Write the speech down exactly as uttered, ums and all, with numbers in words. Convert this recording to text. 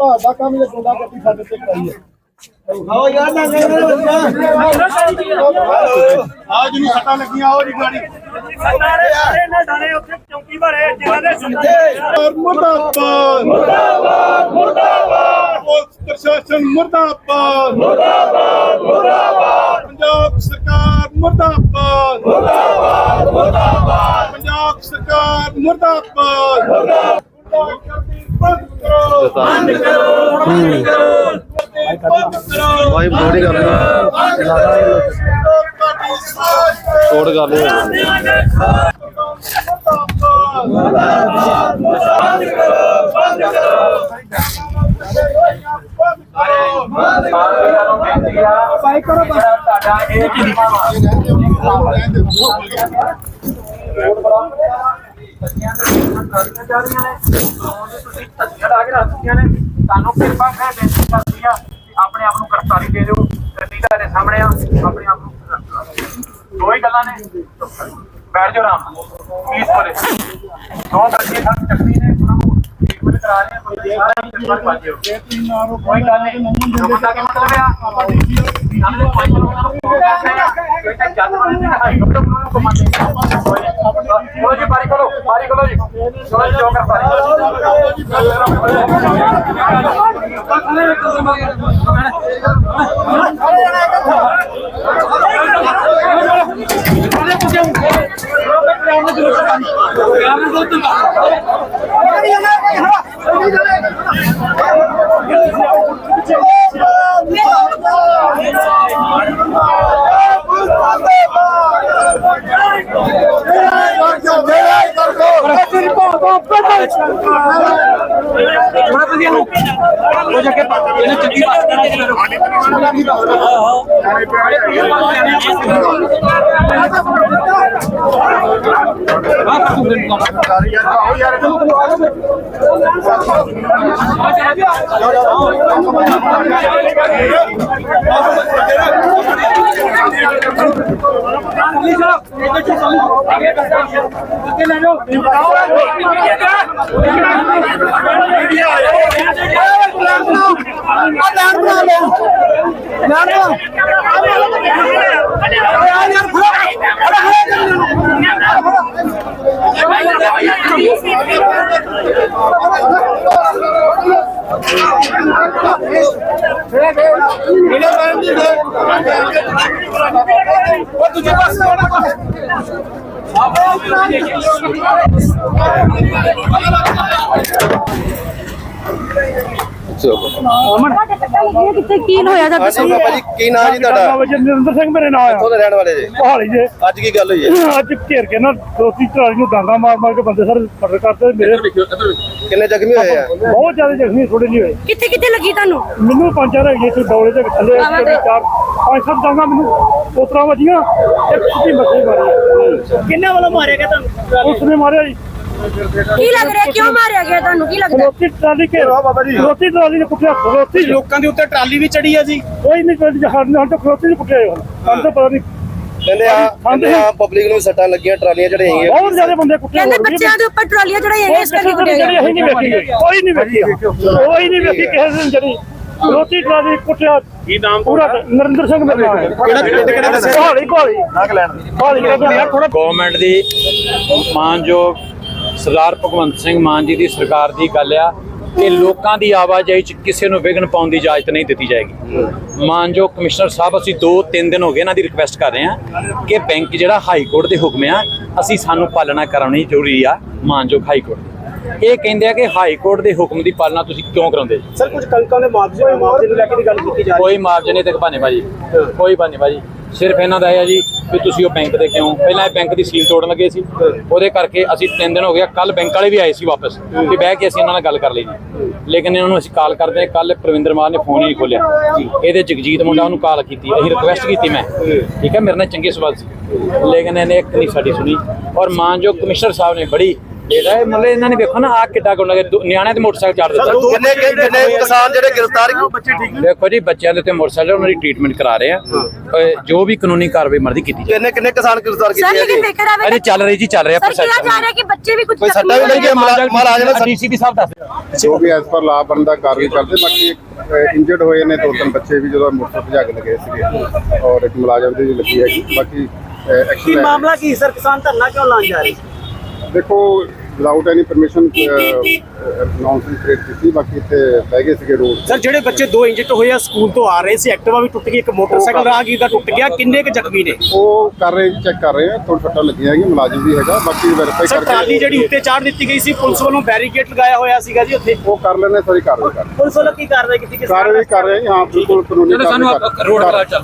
ਭਾਅ ਦਾ ਕੰਮ ਜੇ ਗੁੰਡਾ ਗੱਡੀ ਸਾਡੇ ਤੇ ਕਰਾਈ ਹੈ ਆਓ ਯਾਰ ਨਾ ਆਜ ਨੂੰ ਸੱਟਾਂ ਲੱਗੀਆਂ ਆਓ ਜੀ ਗਾੜੀ ਸਾਰੇ ਸਾਰੇ ਨੇ ਡਾਣੇ ਉੱਥੇ ਚੌਂਕੀ ਭਰੇ ਜਿਨ੍ਹਾਂ ਦੇ ਸੁਣਦੇ ਮੁਰਦਾਬਾਦ ਮੁਰਦਾਬਾਦ ਮੁਰਦਾਬਾਦ ਪੁਲਿਸ ਪ੍ਰਸ਼ਾਸਨ ਮੁਰਦਾਬਾਦ ਮੁਰਦਾਬਾਦ ਮੁਰਦਾਬਾਦ ਪੰਜਾਬ ਸਰਕਾਰ ਮੁਰਦਾਬਾਦ ਮੁਰਦਾਬਾਦ ਮੁਰਦਾਬਾਦ ਪੰਜਾਬ ਸਰਕਾਰ ਮੁਰਦਾਬਾਦ ਮੁਰਦਾਬਾਦ ਬੰਦ ਕਰੋ ਬੰਦ ਕਰੋ ਬੰਦ ਕਰੋ भाई बॉडी कर छोड़ कर ले अपने आप गिरफ्तारी दे दो गड्डी ਤੁਹਾਡੇ सामने अपने आप दो ही गल्लां ने बैठ जाओ आराम पुलिस वाले दो बच्चे सब चक्री ने ट्रीटमेंट करा रहे हैं कोई गल नहीं जो बंदा के मतलब है ਆਪਾਂ सामने कोई चलो जी बारी करो बारी करो जी चलो जी गिरफ्तारी तुझे पास ਕਿੱਥੇ ਕੀ ਹੋਇਆ ਤਾਂ ਹਾਂਜੀ ਬਾਬਾ ਜੀ ਕੀ ਨਾਂ ਜੀ ਤੁਹਾਡਾ ਜਨਰਿੰਦਰ ਸਿੰਘ ਮੇਰੇ ਨਾਮ ਕਿੱਥੋਂ ਦੇ ਰਹਿਣ ਵਾਲੇ ਜੀ ਹਾਲੀ ਜੇ ਅੱਜ ਕੀ ਗੱਲ ਹੋਈ ਹੈ ਅੱਜ ਘੇਰ ਕੇ ਨਾ ਦੋਸਤੀ ਟਰਾਲੀ ਨੂੰ ਡਾਂਗਾ ਮਾਰ ਮਾਰ ਕੇ ਬੰਦੇ ਸਾਰੇ ਫੜ ਕਰਦੇ ਮੇਰੇ ਕਿੰਨੇ ਜ਼ਖਮੀ ਹੋਏ ਆ ਬਹੁਤ ਜ਼ਿਆਦਾ ਜ਼ਖਮੀ ਥੋੜੇ ਨਹੀਂ ਹੋਏ ਕਿੱਥੇ ਕਿੱਥੇ ਲੱਗੀ ਤੁਹਾਨੂੰ ਮੈਨੂੰ ਪੰਜ ਚਾਰ ਹੈਗੇ ਸੀ ਡੌਲੇ ਦੇ ਥੱਲੇ ਚਾਰ ਪੰਜ ਸੱਤ ਡਾਂਗਾ ਮੈਨੂੰ ਉਤਰਾ ਵੱਜੀਆਂ ਇੱਕ ਸਿੱਧੀ ਮੱਥੇ ਮਾਰੀ ਕਿੰਨੇ ਵਾਲਾ ਮਾਰਿਆ ਗਿਆ ਤੁਹਾਨੂੰ ਉਸਨੇ ਮਾਰਿਆ ਜੀ ਕੀ ਲੱਗ ਰਿਹਾ ਕਿਉਂ ਮਾਰਿਆ ਗਿਆ ਤੁਹਾਨੂੰ ਕੀ ਲੱਗਦਾ ਰੋਟੀ ਟਰਾਲੀ ਘੇਰਾ ਬਾਬਾ ਜੀ ਰੋਟੀ ਟਰਾਲੀ ਨੇ ਕੁੱਟਿਆ ਰੋਟੀ ਲੋਕਾਂ ਦੇ ਉੱਤੇ ਟਰਾਲੀ ਵੀ ਚੜੀ ਆ ਜੀ ਕੋਈ ਨਹੀਂ ਕੋਈ ਜਹਾਜ਼ ਨਾਲ ਤਾਂ ਰੋਟੀ ਨਹੀਂ ਕੁੱਟਿਆ ਹੁਣ ਸਾਨੂੰ ਤਾਂ ਪਤਾ ਨਹੀਂ ਕਹਿੰਦੇ ਆ ਕਹਿੰਦੇ ਆ ਪਬਲਿਕ ਨੂੰ ਸੱਟਾਂ ਲੱਗੀਆਂ ਟਰਾਲੀਆਂ ਚੜਾਈਆਂ ਬਹੁਤ ਜ਼ਿਆਦਾ ਬੰਦੇ ਕੁੱਟੇ ਕਹਿੰਦੇ ਬੱਚਿਆਂ ਦੇ ਉੱਪਰ ਟਰਾਲੀਆਂ ਚੜਾਈਆਂ ਗਈਆਂ ਇਸ ਕਰਕੇ ਕੁੱਟਿਆ ਗਿਆ ਅਸੀਂ ਨਹੀਂ ਵੇਖੀ ਕੋਈ ਨਹੀਂ ਵੇਖੀ ਕੋਈ ਨਹੀਂ ਵੇਖੀ ਕਿਸੇ ਦਿਨ ਜਿਹੜੀ ਰੋਟੀ ਟਰਾਲੀ ਕੁੱਟਿਆ ਕੀ ਨਾਮ ਪੂਰਾ ਨਰਿੰਦਰ ਸਿੰਘ ਮੇਰਾ ਨਾਮ ਹੈ ਕਿਹੜਾ ਪਿੰਡ ਕਿਹੜਾ ਦੱਸਿਆ ਕੋਹਲੀ ਕੋਹਲੀ ਕੋਹਲੀ ਥੋੜਾ ਗਵਰਨਮੈਂਟ ਦੀ ਮਾਨਯੋਗ ਸਰਦਾਰ ਭਗਵੰਤ ਸਿੰਘ ਮਾਨ ਜੀ ਦੀ ਸਰਕਾਰ ਦੀ ਗੱਲ ਆ ਕਿ ਲੋਕਾਂ ਦੀ ਆਵਾਜਾਈ 'ਚ ਕਿਸੇ ਨੂੰ ਵਿਘਨ ਪਾਉਣ ਦੀ ਇਜਾਜ਼ਤ ਨਹੀਂ ਦਿੱਤੀ ਜਾਏਗੀ। ਮਾਨਯੋਗ ਕਮਿਸ਼ਨਰ ਸਾਹਿਬ ਅਸੀਂ ਦੋ ਤਿੰਨ ਦਿਨ ਹੋ ਗਏ ਇਹਨਾਂ ਦੀ ਰਿਕੁਐਸਟ ਕਰ ਰਹੇ ਹਾਂ ਕਿ ਬੈਂਕ ਜਿਹੜਾ ਹਾਈ ਕੋਰਟ ਦੇ ਹੁਕਮ ਆ ਅਸੀਂ ਸਾਨੂੰ ਪਾਲਣਾ ਕਰਾਉਣੀ ਜ਼ਰੂਰੀ ਆ। ਮਾਨਯੋਗ ਹਾਈ ਕੋਰਟ ਇਹ ਕਹਿੰਦੇ ਆ ਕਿ ਹਾਈ ਕੋਰਟ ਦੇ ਹੁਕਮ ਦੀ ਪਾਲਣਾ ਤੁਸੀਂ ਕਿਉਂ ਕਰਾਉਂਦੇ ਜੀ? ਸਰ ਕੁਝ ਕਣਕਾਂ ਦੇ ਮੁਆਵਜ਼ੇ ਮੁਆਵਜ਼ੇ ਨੂੰ ਲੈ ਕੇ ਗੱਲ ਕੀਤੀ ਜਾ ਕੋਈ ਮੁਆਵਜ਼ੇ ਨਹੀਂ ਤੇ ਭਾਨੇ ਭਾਜੀ ਕੋਈ ਭਾਨੇ ਭਾਜੀ ਸਿਰਫ ਇਹਨਾਂ ਦਾ ਹੈ ਜੀ ਵੀ ਤੁਸੀਂ ਉਹ ਬੈਂਕ ਦੇ ਕਿਉਂ ਪਹਿਲਾਂ ਇਹ ਬੈਂਕ ਦੀ ਸੀਲ ਤੋੜਨ ਲੱਗੇ ਸੀ ਉਹਦੇ ਕਰਕੇ ਅਸੀਂ ਤਿੰਨ ਦਿਨ ਹੋ ਗਿਆ ਕੱਲ ਬੈਂਕ ਵਾਲੇ ਵੀ ਆਏ ਸੀ ਵਾਪਸ ਕਿ ਬਹਿ ਕੇ ਅਸੀਂ ਇਹਨਾਂ ਨਾਲ ਗੱਲ ਕਰ ਲਈ ਜੀ ਲੇਕਿਨ ਇਹਨਾਂ ਨੂੰ ਅਸੀਂ ਕਾਲ ਕਰਦੇ ਕੱਲ ਪ੍ਰਵਿੰਦਰ ਮਾਨ ਨੇ ਫੋਨ ਹੀ ਨਹੀਂ ਖੋਲਿਆ ਇਹਦੇ ਜਗਜੀਤ ਮੁੰਡਾ ਉਹਨੂੰ ਕਾਲ ਕੀਤੀ ਅਸੀਂ ਰਿਕੁਐਸਟ ਕੀਤੀ ਮੈਂ ਠੀਕ ਹੈ ਮੇਰੇ ਨਾਲ ਚੰਗੇ ਸਵਾਲ ਸੀ ਲੇਕਿਨ ਇਹਨੇ ਇੱਕ ਨਹੀਂ ਸਾਡੀ ਸੁਣੀ ਔਰ ਮਾਨਯੋਗ ਕਮਿਸ਼ਨਰ ਸਾਹਿਬ ਨੇ ਬੜੀ ਇਹਦਾ ਇਹ ਮਤਲਬ ਇਹਨਾਂ ਨੇ ਵੇਖੋ ਨਾ ਆ ਕਿੱਡਾ ਗੁੰਡਾ ਨਿਆਣਿਆਂ ਤੇ ਮੋਟਰਸਾਈਕਲ ਚਾੜ ਦਿੱਤਾ ਕਿੰਨੇ ਕਿੰਨੇ ਕਿਸਾਨ ਜਿਹੜੇ ਗ੍ਰਿਫਤਾਰ ਦੇਖੋ ਜੀ ਬੱਚਿਆਂ ਦੇ ਉੱਤੇ ਮੋਟਰਸਾਈਕਲ ਉਹਨਾਂ ਦੀ ਟ੍ਰੀਟਮੈਂਟ ਕਰਾ ਰਹੇ ਆ ਅਹ ਜੋ ਵੀ ਕਾਨੂੰਨੀ ਕਾਰਵਾਈ ਮਰਦੀ ਕੀਤੀ ਜਾਏ ਕਿੰਨੇ ਕਿੰਨੇ ਕਿਸਾਨ ਗ੍ਰਿਫਤਾਰ ਸਰ ਕੀਤੇ ਲੇਕਿਨ ਗਏ ਦੇਖਿਆ ਜਾਵੇ ਅਜੇ ਚੱਲ ਰਹੀ ਜੀ ਚੱਲ ਰਿਹਾ ਸਰ ਕਿਹਾ ਪ੍ਰੋਸੈਸ ਜਾ ਰਿਹਾ ਕਿ ਬੱਚੇ ਵੀ ਕੁਝ ਕੋਈ ਸੱਟਾਂ ਵੀ ਲੱਗੀਆਂ ਮਹਾਰਾਜ ਨੇ ਡੀਸੀਪੀ ਸਾਹਿਬ ਦੱਸ ਜੋ ਵੀ ਐਸ ਪਰ ਲਾ ਬਣਦਾ ਕਾਰਵਾਈ ਕਰਦੇ ਬਾਕੀ ਇੰਜਰਡ ਹੋਏ ਨੇ ਦੋ ਤਿੰਨ ਬੱਚੇ ਵੀ ਜਦੋਂ ਮੋਟਰਸਾਈਕਲ ਭਜਾ ਕੇ ਲਗੇ ਸੀਗੇ ਔਰ ਇੱਕ ਮੁਲਾਜ਼ਮ ਦੀ ਵੀ ਲੱਗੀ ਹੈਗੀ ਬਾਕੀ ਐਕਸ਼ਨ ਮਾਮਲਾ ਕੀ ਸਰ ਕਿਸਾਨ ਧਰਨਾ ਕਿਉਂ ਲਾਉਣ ਜਾ ਰਹੇ ਦੇਖੋ without any permission announcement create ਕੀਤੀ ਬਾਕੀ ਇੱਥੇ ਬਹਿ ਗਏ ਸੀਗੇ ਰੋਡ ਸਰ ਜਿਹੜੇ ਬੱਚੇ ਦੋ ਇੰਜਰਡ ਹੋਏ ਆ ਸਕੂਲ ਤੋਂ ਆ ਰਹੇ ਸੀ ਐਕਟਿਵਾ ਵੀ ਟੁੱਟ ਗਈ ਇੱਕ ਮੋਟਰਸਾਈਕਲ ਰਾਹਗੀਰ ਦਾ ਟੁੱਟ ਗਿਆ ਕਿੰਨੇ ਕੁ ਜ਼ਖਮੀ ਨੇ ਉਹ ਕਰ ਰਹੇ ਚੈੱਕ ਕਰ ਰਹੇ ਆ ਥੋੜਾ ਸੱਟਾਂ ਲੱਗੀਆਂ ਹੈਗੀਆਂ ਮੁਲਾਜ਼ਮ ਵੀ ਹੈਗਾ ਬਾਕੀ ਵੈਰੀਫਾਈ ਸਰ ਟਰਾਲੀ ਕਰਕੇ ਜਿਹੜੀ ਉੱਤੇ ਚਾੜ ਦਿੱਤੀ ਗਈ ਸੀ ਪੁਲਿਸ ਵੱਲੋਂ ਬੈਰੀਕੇਡ ਲਗਾਇਆ ਹੋਇਆ ਸੀਗਾ ਜੀ ਉੱਥੇ ਉਹ ਕਰ ਲੈਣੇ ਸਾਰੀ ਕਾਰਵਾਈ ਕਰ ਪੁਲਿਸ ਵੱਲੋਂ ਕੀ ਕਾਰਵਾਈ ਕੀਤੀ ਕਿਸਾਨ ਕਾਰਵਾਈ ਕਰ ਰਹੇ ਹਾਂ ਬਿਲਕੁਲ ਕਾਨੂੰਨੀ ਚਲੋ ਸਾਨੂੰ ਕਾਰਵਾਈ ਕਰ- ਰੋਡ ਕਰਾ ਚੱਲ